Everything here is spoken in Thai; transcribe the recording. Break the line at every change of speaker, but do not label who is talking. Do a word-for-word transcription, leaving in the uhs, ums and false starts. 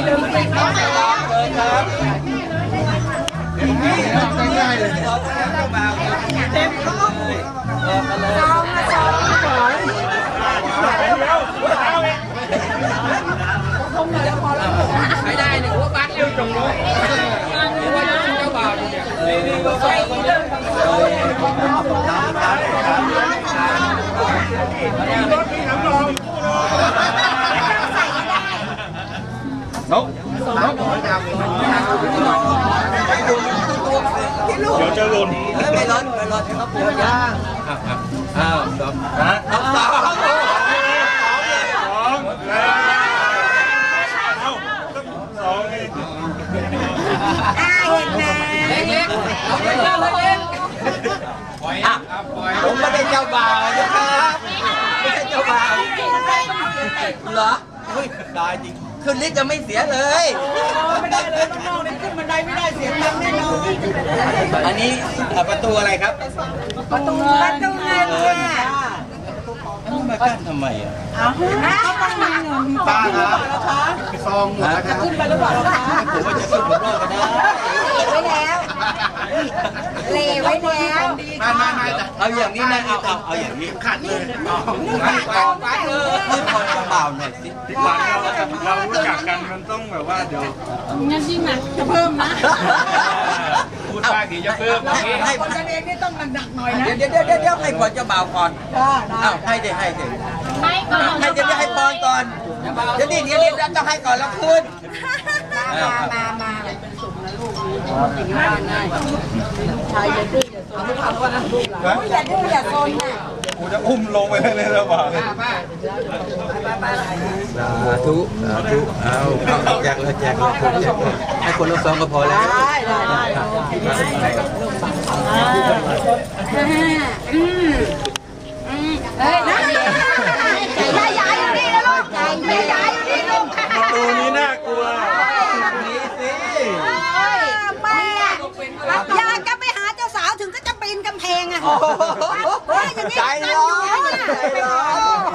เดินไปครับเดินครับง่ายๆเลยเต็มท้องเลยจองมาจองมาก่อนไม่ได้เนี่ยหัวบ้านเร็วจงเลยว่าเจ้าบ่าวเนี่ยนี่นี่ก็ใส่เรื่องรถมีน้ำรองนกนกเดี๋ยวจะหล่นไม่ร้อนไม่ร้อนครับผมย่างอ้าวดอกฮะสองสองสองสองเองอ่าเห็นไหมเล็กเล็กเอาเล็กเล็กปล่อยอ่ะผมไม่ได้เจ้าบ่าวนะครับไม่ใช่เจ้าบ่าวเหรอเฮ้ยได้จริงขึ้นลิฟต์จะไม่เสียเลยไม่ได้เลยน้องๆนี่ขึ้นบันไดไม่ได้เสียตังค์แน่นอนอันนี้ประตูอะไรครับประตูประตูเงินค่ะมากั้นทำไมอ่ะอ้าวเขาต้องมีเงินมีป้าครับซองหมดแล้วครับขึ้นไปแล้วบอกเราผมว่าจะขึ้นบนรถก็ได้เลไว้แล้วเลไว้แล้วไม่ไม่ไม่เอาอย่างนี้นะเอาเอาเอาอย่างนี้ขัดเลยไม่ก่อนไปเลยขึ้นคอยเบาหน่อยสิเราเรารู้จักกันมันต้องแบบว่าเดี๋ยวงั้นยิ่งหนักจะเพิ่มนะพูดมากดีจะเพิ่มให้คนกันเองนี่ต้องหนักๆหน่อยนะเดี๋ยวเดี๋ยวเดี๋ยวเดี๋ยวให้ก่อนจะเบาก่อนอ้าวให้เดี๋ยวให้เดี๋ยวให้ก่อนให้เดี๋ยวให้ปอนก่อนเดี๋ยวนี่เดี๋ยวนี่เราต้องให้ก่อนแล้วขึ้นมามามาเป็นสุขนะลูกง่ายง่ายชายอย่าดื้ออย่าโซนไม่ทำก็นะลูกหลานอย่าดื้ออย่าโซนนะกูจะอุ้มลงไปเลยแล้วป่ะสาธุสาธุเอาแจกเลยแจกเลยคนแจกเลยให้คนละซองก็พอแล้วได้ได้อืมอืมเฮ้ยนะใจใหญ่อยู่นี่นะลูกใจใหญ่อยู่นี่ลูกตัวนี้น่ากลัวนี่สิแม่อยากจะไปหาเจ้าสาวถึงก็จะปีนกำแพงอ่ะใจร้อนใจร้อน